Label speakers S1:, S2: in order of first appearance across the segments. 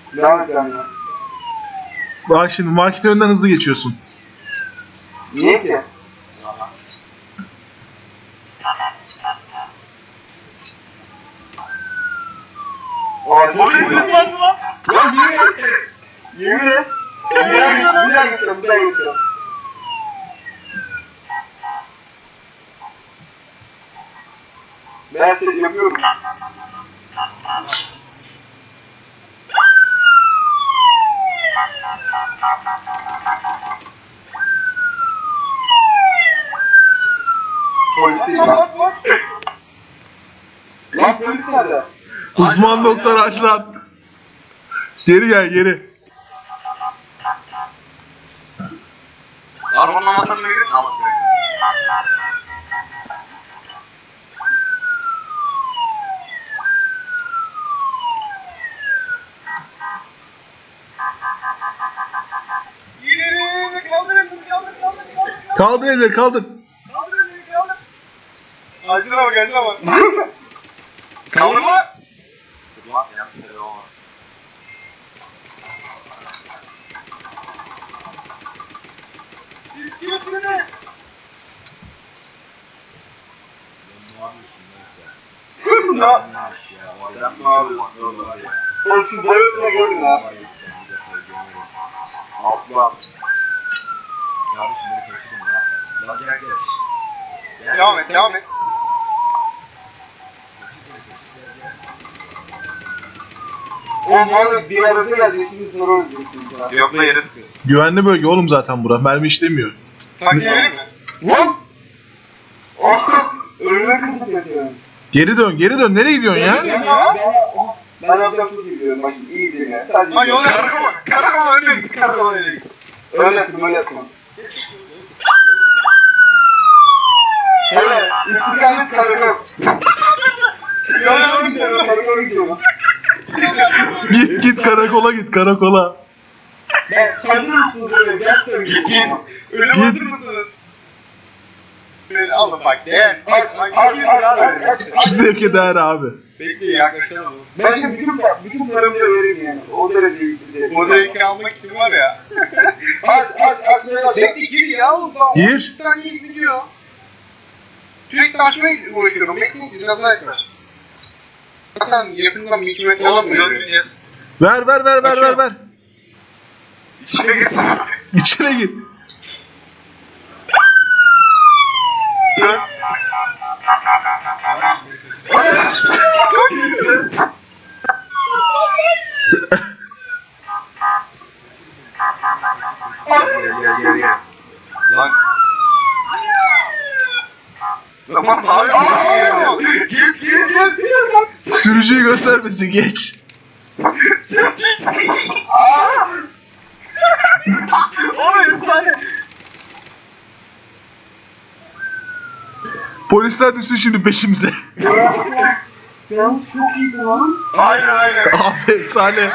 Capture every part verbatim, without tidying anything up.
S1: Devam et yani.
S2: Bak şimdi marketin önünden hızlı geçiyorsun.
S1: Niye ki?
S3: Polis var mı lan?
S1: Lan yemin et. Yemin et. Bir daha, bir daha geçiyorum, bir daha geçiyorum. Ben her şeyi yapıyorum. Polis değil lan. Lan polis nerede?
S2: Uzman doktor aç lan. Geri gel geri.
S3: Arabanın anahtarını verin. Al seni.
S2: Kaldır elleri kaldır.
S3: Acil ama geldi ama. Kaldırma. Dur lan yanlış şey olma.
S1: Kız ya. Oğlum şu boyutuna gördün ha.
S3: Abla.
S4: Kardeşim beni kaçırdın ya. Lan gel gel.
S3: Devam et devam et.
S1: Oğlum abi bir araca gelecek şimdi sonra öleceksin ya.
S3: Yok da yere sıkıyorsun.
S2: Güvenli bölge oğlum zaten bura. Mermi işlemiyor.
S3: Taksi verir mi?
S1: Lan! Ah! Önüme kırdık mesela.
S2: Geri dön geri dön. Nereye gidiyorsun ya?
S1: Ben, ben, ben yapacağım çok iyi biliyorum. Bak şimdi iyi izleyin ya. Sadece
S3: Lan yol karakola. Karakola öyle git. Karakola öyle git.
S1: öyle yapayım, öyle yapayım. Evet, istikamet karakol. Karakola gidiyorum, karakola gidiyorum.
S2: Git git karakola git karakola.
S1: Ben hazır mısınız böyle? Gerçekten git.
S3: Ölüm
S2: Git.
S3: hazır mısınız? Alın bak değer.
S1: Aç, aç, aç, aç, aç.
S2: Şu zevke değer abi.
S3: Bekleyin yaklaşalım.
S1: Ben şimdi bütün, bütün paramı vereyim yani. O derece izleyelim.
S3: O zevki almak için var ya.
S1: Aç, aç, açmaya bak.
S3: Bekle gir ya oğlum daha
S2: Gir.
S3: on sekiz saniye gidiyor. Sürekli açmaya uğraşıyorum. Bekleyin biraz daha yaklaş. Zaten yakından bir iki metre olamıyor.
S2: Ver ver ver ver ver ver.
S3: İçine geç.
S2: İçine git.
S3: Lan. Tamam abi. Git git git.
S2: Sürücüyü göstermesin geç.
S3: Oğlum efsane.
S2: Polisler düşsün şimdi peşimize.
S1: Yalnız çok iyiydi lan.
S3: Hayır hayır.
S2: Abi efsane.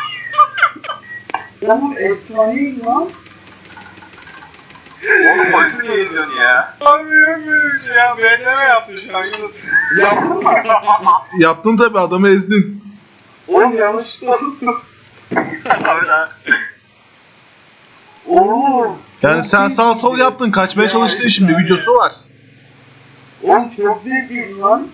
S1: Oğlum efsaneydi lan.
S3: Oğlum polisi niye izliyorsun ya? Abi yürümüyor şey ya. Bekleme yaptın şu an Yunus.
S1: Yaptın mı?
S2: Yaptın tabi adamı ezdin.
S1: Oğlum yanlışlıkla tuttum.
S3: Abi lan.
S1: Oğlum.
S2: Yani sen sağ sol yaptın kaçmaya çalıştın şimdi videosu var.
S1: Oğlum çok zevkliydi lan.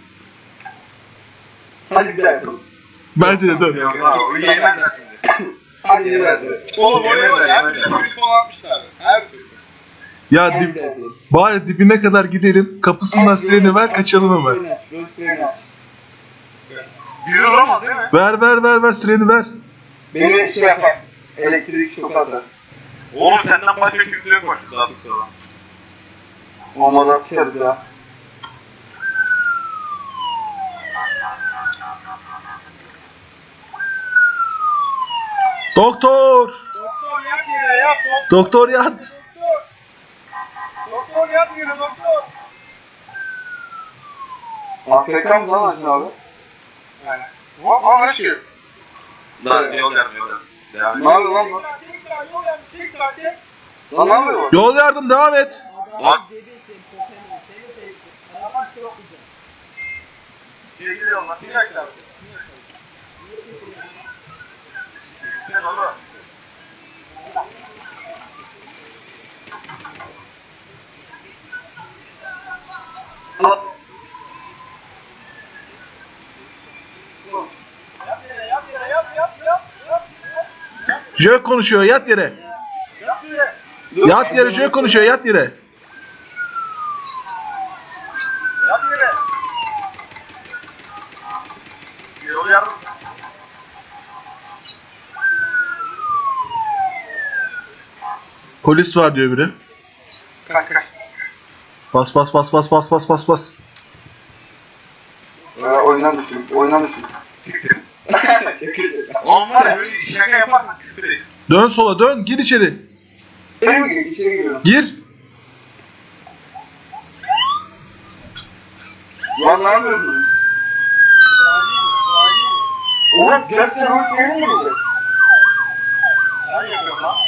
S1: Hadi bir daha yapalım.
S2: Bence de dön.
S3: Yok abi o yemezler şimdi.
S1: Hadi bir daha yapalım.
S3: Oğlum oraya var ya. Her türlü telefon atmışlar. Her türlü.
S2: Ya
S1: Hadi bir
S2: dip,
S1: daha yapalım.
S2: bari dibine kadar gidelim. Kapısından sireni ver kaçalım hemen.
S1: Sireni aç, böyle sireni aç.
S3: Güzel olmaz değil mi?
S2: Ver ver ver ver sireni ver.
S1: Beni şey yapar. Elektrik şoku atar.
S3: Oğlum senden başka kimse yok bak şurada artık sonra.
S1: Olmadan sıçarız ya.
S2: Doktor!
S3: Doktor yat yere yat doktor.
S2: Doktor yat.
S3: Doktor yat yere doktor.
S1: A F K mı lan Acun abi?
S3: Yani. Aa aşkım. Lan yol yardım yol yardım. Devam
S1: Ne yapıyor lan bu? Lan ne yapıyor bu?
S2: Yol yardım devam et.
S3: Lan.
S2: Jö konuşuyor, yat yere.
S1: Dur,
S2: Yat yere, Jö konuşuyor, yat yere.
S1: Yat yere. Yol yardım.
S2: Polis var diyor biri.
S3: Kaç kaç.
S2: Bas bas bas bas bas bas bas bas.
S1: Ee, oynan düşün, oynan düşün.
S3: Siktir. Oğlum var ya böyle şaka yaparsan küfür edin.
S2: Dön sola dön, gir içeri.
S1: İçeri mi giriyor? İçeri giriyorum.
S2: Gir.
S1: Lan ne yapıyorsunuz? Oğlum gerçekten hoş değil miydi?
S3: Ne yapıyorsun lan?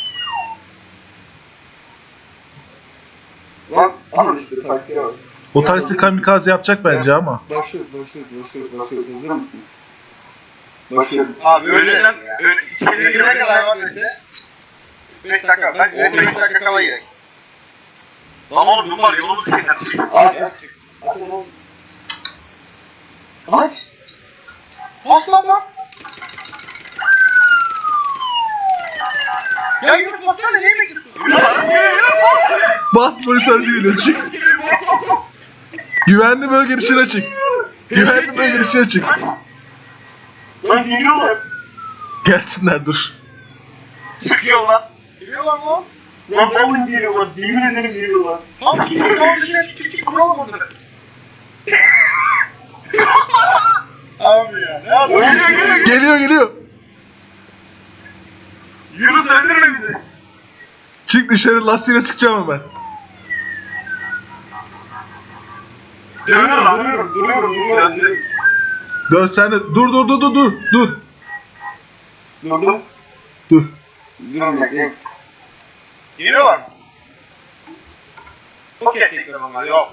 S1: Lan al işte taksiye bak.
S2: O taksi kamikaze yapacak bence ama.
S1: Başlıyoruz, başlıyoruz, başlıyoruz, başlıyoruz. Hazır mısınız? Başlıyorum.
S3: Abi önceden içeri ne kadar var dese beş dakika. Ben on beş dakika kala gerek. Lan oğlum bu var yolumuzu keser.
S1: Aç, aç. Aç, aç. Aç.
S3: Bas lan bas. Ya Yunus bassana neyi bekliyorsun?
S2: Bas polis aracı geliyor, çık. Güvenli bölge dışına çık. Güvenli bölge dışına çık.
S1: Lan geliyorlar.
S2: Gelsinler dur.
S3: Çıkıyor lan. Geliyorlar lan.
S1: Lan vallahi geliyorlar. Yemin ederim geliyorlar.
S3: Tamam çık çık tamam dışarı çık çık çık kuralım onları. Abi ya ne yapıyorsun?
S2: Geliyor geliyor.
S3: Yunus öldürme bizi.
S2: Çık dışarı, lastiğine sıkacağım hemen.
S1: Dönüyorum, dönüyorum, dönüyorum, dönüyorum.
S2: Dön sen de. Dur dur dur dur dur. Dur.
S1: Durdum.
S2: Dur.
S1: Durun bekleyin.
S3: Geliyorlar mı? Çok gerçekler ama yok.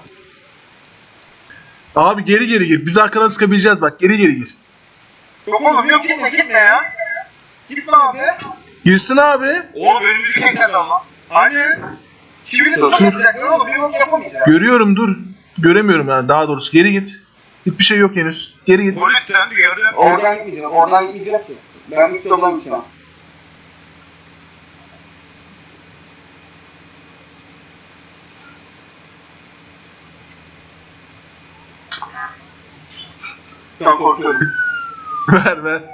S2: Abi geri geri gir. Biz arkadan sıkabileceğiz bak. Geri geri gir.
S3: Yok oğlum yok gitme gitme ya. Gitme abi.
S2: Girsin abi.
S3: Oğlum önümüzü keserler ama. Hani? Çivini tutamayacaklar oğlum bir yok yapamayacak.
S2: Görüyorum dur. Göremiyorum yani daha doğrusu. Geri git. Hiçbir şey yok henüz. Geri git.
S3: Polis döndü gördü.
S1: Oradan gitmeyeceğim, oradan gitmeyeceğim ki. Ben üst yoldan gideceğim. Çok korkuyorum.
S2: Ver ver.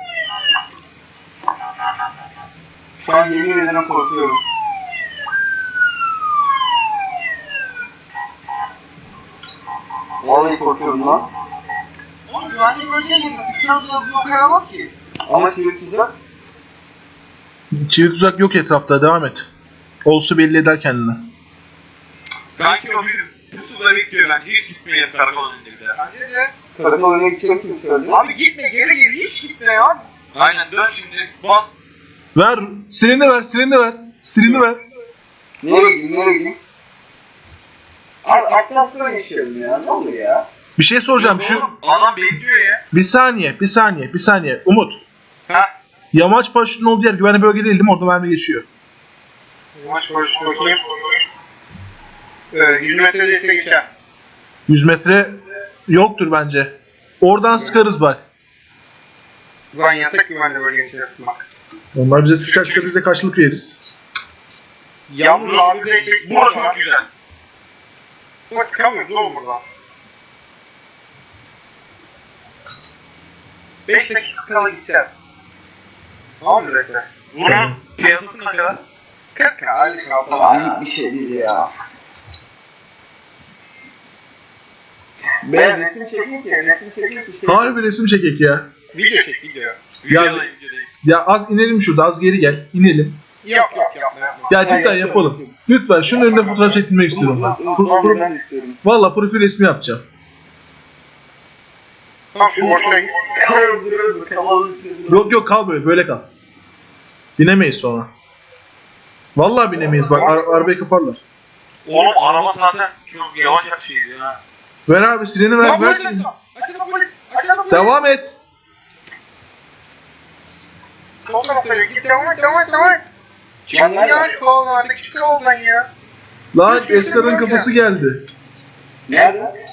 S1: Şu an yemin ederim korkuyorum. Vallahi korkuyorum lan.
S3: Oğlum güvenlik bölgeye girdi. Sıksana da bu kayamaz ki.
S1: Ama şimdi tuzak.
S2: Çivik tuzak yok etrafta. Devam et. Olsa belli eder kendini.
S3: Belki o bizim pusuda bekliyor bence. Hiç gitmeyelim karakol önünde bir daha. Bence de.
S1: Karakol önüne gideceğim kim söyledi?
S3: Abi gitme geri geri hiç gitme ya. Aynen dön şimdi bas.
S2: Ver. Silini ver. Silini ver. Silini ver.
S1: Nereye gideyim, nereye gideyim? Abi aktan sıra yaşıyorum ya, ne oluyor ya?
S2: Bir şey soracağım. Şu
S3: Oğlum, adam bekliyor ya.
S2: bir saniye. Bir saniye. Bir saniye. Umut.
S3: Ha?
S2: Yamaç paraşütünün olduğu yer güvenli bölge değil değil mi? Orada mermi geçiyor.
S3: Yavaş yavaş bakayım. Ee, yüz metre ötesine geçer.
S2: yüz metre yoktur bence. Oradan sıkarız bak.
S3: Ulan yasak güvenli bölge içine sıkmak.
S2: Onlar bize sıkacaksa biz de karşılık veririz.
S3: Yalnız abi de bu çok güzel. Ama sıkamıyoruz oğlum burada. beş dakika kala gideceğiz. Tamam mı resmen? Bunun piyasası ne kadar? kırk aylık
S1: Ayıp bir şey değil ya. Ben resim çekeyim ki, resim çekeyim ki şey...
S2: Harbi resim çekek ya.
S3: Video çek video.
S2: Ya-
S3: Videoda videodayız.
S2: Ya az inelim şurada. Az geri gel. İnelim.
S3: Yok yok yapma yapma.
S2: Ya cidden
S1: yapacağım,
S2: yapalım.
S1: yapacağım.
S2: Lütfen şunun önünde fotoğraf çektirmek istiyorum ben. Pro- pro-
S1: Ben de istiyorum.
S2: Valla profil resmi yapacağım.
S3: Tamam şu boşuna git.
S1: Kaldırıyorum, kavalın içinde.
S2: Yok yok kal böyle. Böyle kal. Binemeyiz sonra. Vallahi binemeyiz. Bak ara- arabayı kaparlar.
S3: Oğlum araba zaten çok yavaş şeydi ya.
S2: Ver abi sileni ver.
S3: Lan
S2: Ver
S3: polis
S2: sileni.
S3: aşağıda. Aşağıda polis. Aşağıda polis.
S2: Devam et.
S3: Sol tarafa yürü. Git devam et devam et devam et. Çık
S1: Ben nerede?
S3: ya şu oğlan artık çık yoldan ya.
S2: Lan
S3: Düzgün
S2: Esra'nın
S3: sürüyorum
S2: kafası
S3: ya.
S2: geldi.
S1: Nerede?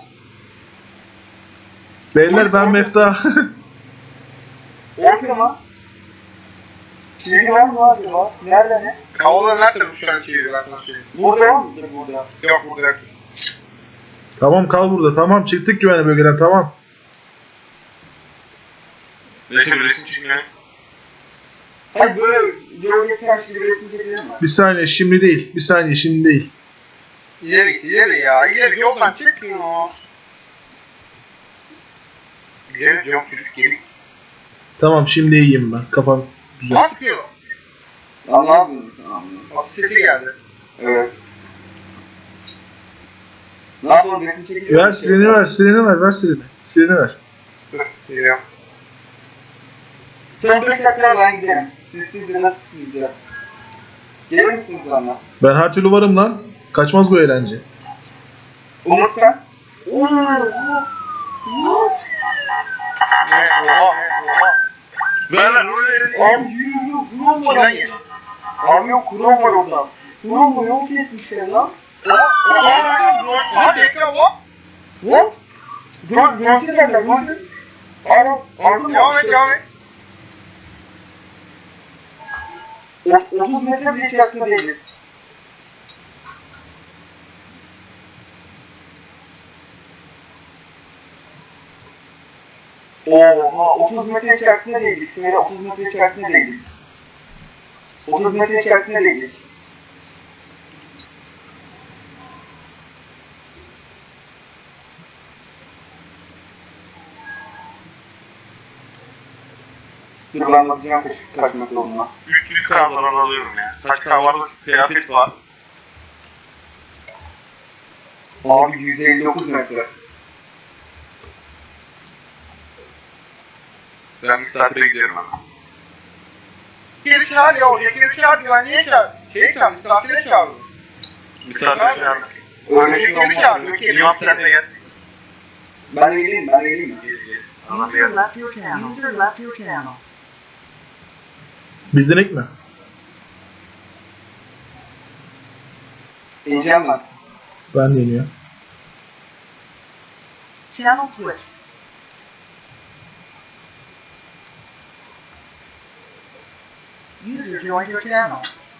S2: Beyler ben Mefta.
S1: Korkuyorum lan. Çizgi var mı acaba? Nerede ne?
S3: Havalar her tarafı şu an çeviriyor ben sana söyleyeyim.
S1: Burada var mıdır burada?
S3: Yok burada yok.
S2: Tamam kal burada. Tamam çıktık güvenli bölgeden tamam.
S3: Neyse bir resim çekmiyor.
S1: Hayır böyle gölgesi karşı bir resim çekelim mi?
S2: Bir saniye şimdi değil. Bir saniye şimdi değil.
S3: İleri ileri ya. İleri yoldan çekmiyor. İleri diyorum çocuk geri.
S2: Tamam şimdi iyiyim ben. Kafam güzel.
S3: Ne sıkıyor?
S1: Ya ne yapıyorsun sen anlıyorum.
S3: At sesi geldi.
S1: Evet. Ne yapalım resim çekelim
S2: Ver sileni ver. Sileni ver. Ver sileni. Sileni ver.
S3: Dur geliyorum.
S1: Son beş dakika ben giderim. Siz siz de nasıl siz ya? Gelir misiniz bana?
S2: Ben her türlü varım lan. Kaçmaz bu eğlence.
S1: Umut sen? Ooo! What?
S3: Oha. Ver lan oraya.
S1: Abi yürü yürü kurum var
S3: Kimden
S1: abi.
S3: yedin?
S1: Abi yok kurum var orada. Kurum var yol kesmişler lan.
S3: Hadi ekran what?
S1: What? Dur görsün derler görsün. Ara, ardım
S3: Devam et devam et.
S1: otuz metre bile içerisinde değiliz. Oha otuz metre içerisinde değildik. Söyle otuz metre içerisinde değildik. otuz metre içerisinde değildik. Dur ben bakacağım kaç, kaç metre olduğuna.
S3: üç yüz K zarar alıyorum ya. Kaç K var kıyafet var.
S1: Abi yüz elli dokuz metre.
S3: Ben misafire gidiyorum hemen. Geri çağır ya oraya geri çağır güvenliğe çağır. Şeye çağır misafire çağır. Misafire çağır.
S1: Öyle şey
S3: Geri çağır.
S1: olmaz.
S3: İmam sen de gel.
S1: Ben de geleyim ben de geleyim mi?
S5: User left your channel. User left your channel.
S2: Bizdenek mi?
S1: İneceğim ben.
S2: Ben de iniyor.
S5: Channel switched. User joined your channel.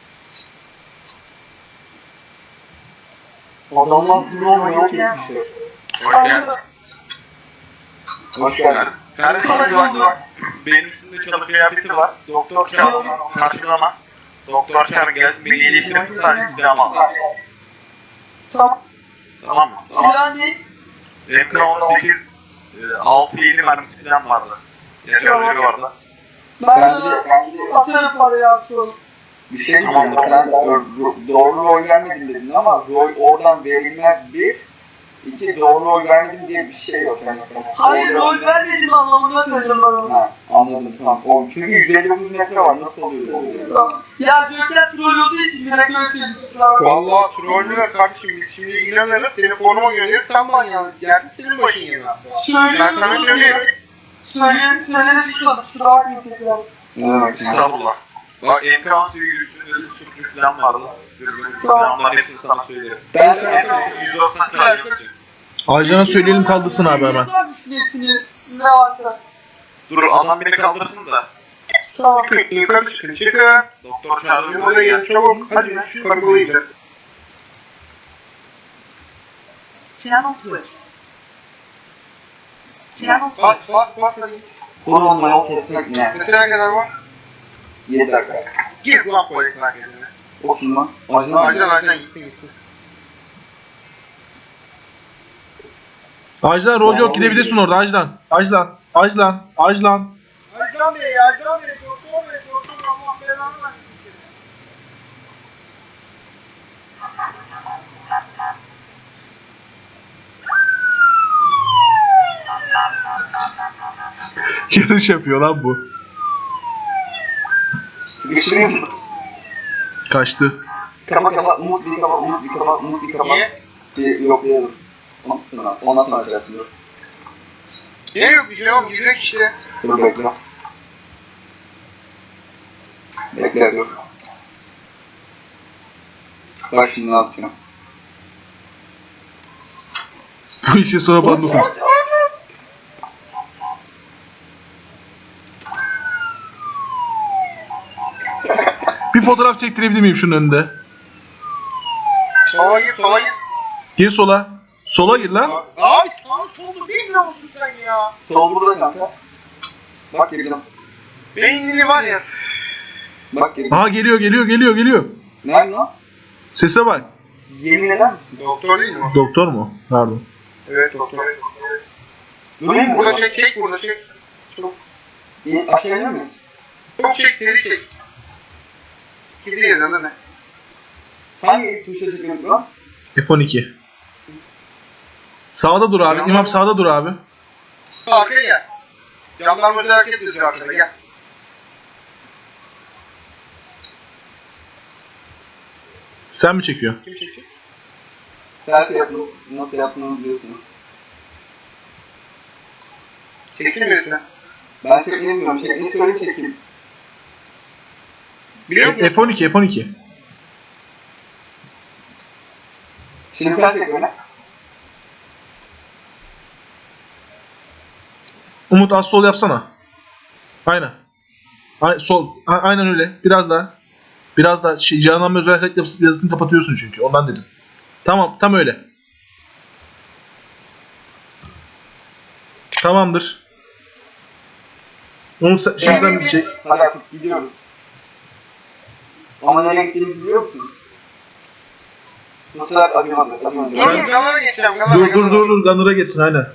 S1: Adamlar drone yol kesmişler.
S3: Hoş geldin.
S1: Hoş geldin.
S3: Kardeşim bak. Benim üstümde çalı kıyafeti var. Doktor çağır. Karşılama. Doktor çağır gelsin beni iyileştirsin sadece silahımı al.
S6: Tamam.
S3: Tamam mı?
S6: Silah ne?
S3: M K on sekiz altı yedi mermisi falan vardı. Yeterleri vardı.
S6: Ben,
S1: Ben bir de, ben bir de
S6: atarım parayı abi şu an.
S1: bir şey diyeceğim. Sen ro- ro- doğru rol vermedin dedin ama rol oradan verilmez bir. İki doğru rol vermedim diye bir şey yok. Yani,
S6: Hayır
S1: orada-
S6: rol vermedim anlamında söyledim ben onu.
S1: Ha, anladım tamam. O, çünkü yüz elli dokuz metre var. Nasıl oluyor böyle?
S6: Tamam. Ya Joker troll olduğu için direkt öyle söyleyeyim. kusura bakma.
S3: Valla trollüler kardeşim biz şimdi inanırız seni konuma göndeririz sen bana yan gelsin senin başın yana. Ben sana
S6: Söylüyorum.
S3: söyleyeyim.
S6: Söyleyen söyleyen çıkmadı. Kusura bakmayın tekrar.
S1: Evet.
S3: Estağfurullah. Bak M K on sekiz üstünde susturucu falan vardı. Dürbün falan onların hepsini sana söylerim.
S1: Ben sana
S3: Hepsini yüz doksan kadar yapacak.
S2: Aycan'a söyleyelim kaldırsın abi hemen.
S6: Hepsini ne varsa.
S3: Dur adam beni kaldırsın da.
S6: Tamam.
S3: Yukarı çıkın çıkın. Doktor çağırdı. Oraya gel çabuk. Hadi şu karakola gidelim.
S5: Channel switched. Channel
S3: Bas
S5: switched.
S3: bas bas hadi.
S1: Kurumla yol kesmek ne?
S3: Mesela ne kadar var?
S1: yedi dakika.
S3: Gir lan polis merkezine.
S1: O kim lan? Ajan
S3: Acilen
S1: mı?
S3: acilen gitsin gitsin.
S2: Ajlan rol yok gidebilirsin orada Ajlan. Ajlan. Ajlan. Ajlan.
S3: Acilen Bey, Acilen Bey, doktor Bey, doktor Allah belanı versin.
S2: Yarış yapıyor lan bu.
S1: Sıkıştırayım mı?
S2: Kaçtı.
S1: Kapa kapa, umut bir kapa, umut bir kapa, umut bir kapa.
S3: Niye?
S1: Bir yoklayalım. Ondan ondan sonra açarsın. Dur.
S3: Niye yok bir şey yok, girdik işte.
S1: Dur bekle. Bekle dur. Bak şimdi ne yapacağım.
S2: Bu işi sonra bana dokun. Bir fotoğraf çektirebilir miyim şunun önünde?
S3: Sola gir, sola gir.
S2: Gir sola. Sola gir lan.
S3: Abi sağ solunu bilmiyor musun sen ya?
S1: Sol burada kanka. Bak girdim.
S3: Beynini var ya.
S1: Bak girdim.
S2: Aha geliyor geliyor geliyor geliyor.
S1: Nerede lan?
S2: Sese bak.
S1: Yemin eder misin?
S3: Doktor değil mi o?
S2: Doktor mu? Pardon.
S3: Evet doktor.
S1: Durayım mı?
S3: Burada çek, çek burada çek. Çok,
S1: İyi, aşağı iner miyiz?
S3: çok çek, seri çek. İkisi yerden değil mi?
S1: Hangi tuşa çekiyorduk lan?
S2: F on iki. Sağda dur abi. İmam sağda dur abi.
S3: Arkaya gel. Jandarma özel hareket ediyor arkada gel.
S2: Sen mi çekiyorsun?
S3: Kim çekecek?
S1: Selfie yapın. Nasıl yaptığını biliyorsunuz.
S3: Çeksin birisi.
S1: Ben çekmeyi bilmiyorum. Çekmeyi söyle çekeyim.
S3: Biliyor musun?
S2: F on iki F on iki.
S1: Şimdi sen çek beni.
S2: Umut az sol yapsana. Aynen. Ay, sol. A- aynen öyle. Biraz daha. Biraz daha. Şey, Canan'ın özel hareket yapısı- yazısını kapatıyorsun çünkü. Ondan dedim. Tamam. Tam öyle. Tamamdır. Umut sen, şimdi sen bizi çek.
S1: Hadi artık gidiyoruz. Ama nereye gittiğimizi biliyor musunuz? Bu sefer acımadı. Acımadı.
S3: Dur dur kamera geçeceğim kamera.
S2: Dur dur dur dur. Gunner'a geçsin aynen.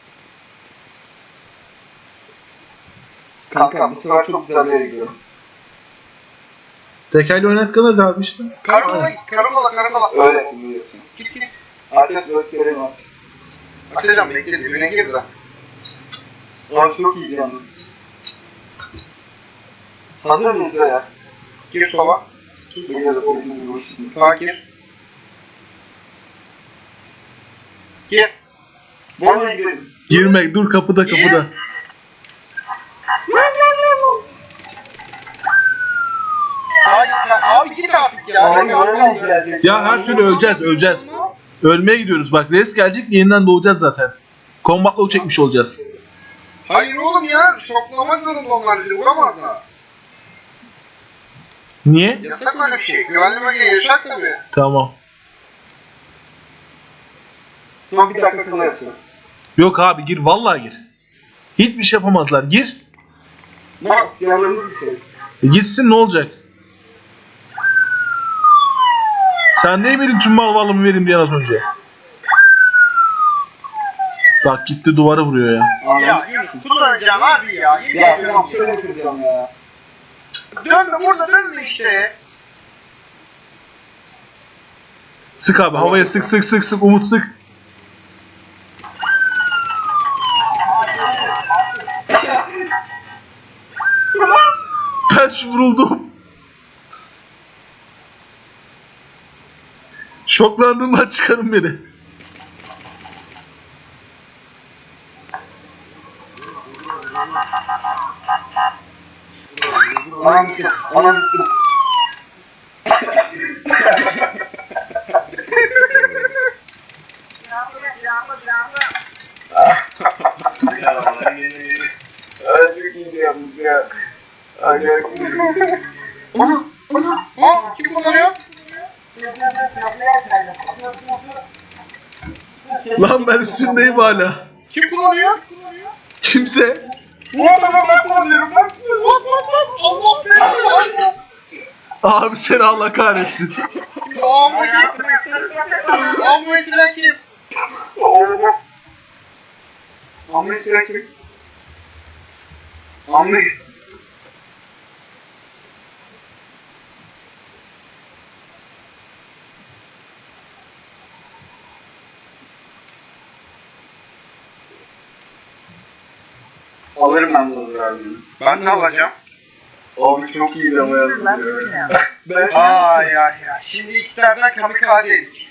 S1: Kanka bu sefer çok güzel bir yere gidiyorum.
S2: Tekerle oynat Gunner'da abi işte.
S3: Karakola git karakola karakola.
S1: Öyle şimdi yapacağım.
S3: Git git.
S1: Aç aç gösterelim aç.
S3: Açacağım bekle dibine gir de.
S1: Abi çok iyiydi yalnız. Hazır mıyız ya?
S3: Gir sola.
S1: Geliyorum. Geliyorum şimdi.
S3: Sağa gir. Gir.
S1: Borna'ya girelim.
S2: Girmek. Dur kapıda kapıda.
S3: Sağa git sen. Abi git artık ya.
S1: Abi
S3: Sen
S1: Borna'ya
S3: al.
S1: gelecek.
S2: Ya her türlü öleceğiz öleceğiz. Ölmeye gidiyoruz bak. Res gelecek yeniden doğacağız zaten. Combat log çekmiş olacağız.
S3: Hayır oğlum ya. Şoklamak zorunda onlar bizi. Vuramazlar.
S2: Niye?
S3: Yasak öyle bir şey. Güvenli bölge yasak tabii.
S2: Tamam.
S1: Son bir dakika kala yapacağım.
S2: Yok abi gir vallahi gir. Hiçbir şey yapamazlar. Gir.
S1: Ne? Siyahlarımız içeri.
S2: E gitsin ne olacak? Sen ne bilin tüm mal varlığımı vereyim diyen az önce. Bak gitti duvara vuruyor ya.
S3: Ya Yunus kullanacağım abi ya. Yemin
S1: Ya
S3: ediyorum
S1: tamam
S3: ya.
S1: şöyle kıracağım ya.
S3: Dönme burada dönme işte.
S2: Sık abi havaya sık sık sık sık Umut sık. Ben şu vuruldum. Şoklandığımdan çıkarın beni.
S1: Anam gitti. Anam gitti. Ay çok iyiydi yalnız ya. Acayip iyiydi.
S3: Ha kim kullanıyor?
S2: Lan ben üstündeyim hala.
S3: Kim kullanıyor?
S2: Kimse.
S3: Bu adamı ben kullanıyorum ben. Bas bas bas. Allah belanı.
S2: Abi seni Allah kahretsin.
S3: Amma kim? Amma filan kim?
S1: Oo. Amri sıra kim? Amri. Alırım ben bunu verdiniz.
S3: Ben ne alacağım?
S1: Abi çok iyiydi ama
S5: User left
S1: yalnız
S5: your
S1: ya.
S5: channel.
S1: Ben
S3: Ay ay ay. Şimdi X'lerden kamikaze yedik.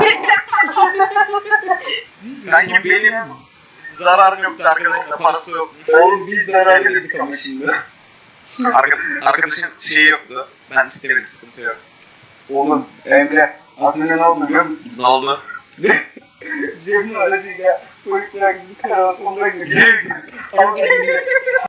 S5: User
S3: Sanki
S5: joined your
S3: benim-
S5: channel.
S3: Zararım yoktu arkadaşın da parası yokmuş.
S1: Oğlum biz zarar yedik ama şimdi.
S3: Arka, arkadaşın şeyi yoktu. Ben istemedim sıkıntı yok.
S1: Oğlum Emre aslında ne oldu biliyor musun?
S3: Ne oldu?
S1: Cem'in aracıyla polisler bizi karalatmalara gidiyor. Ama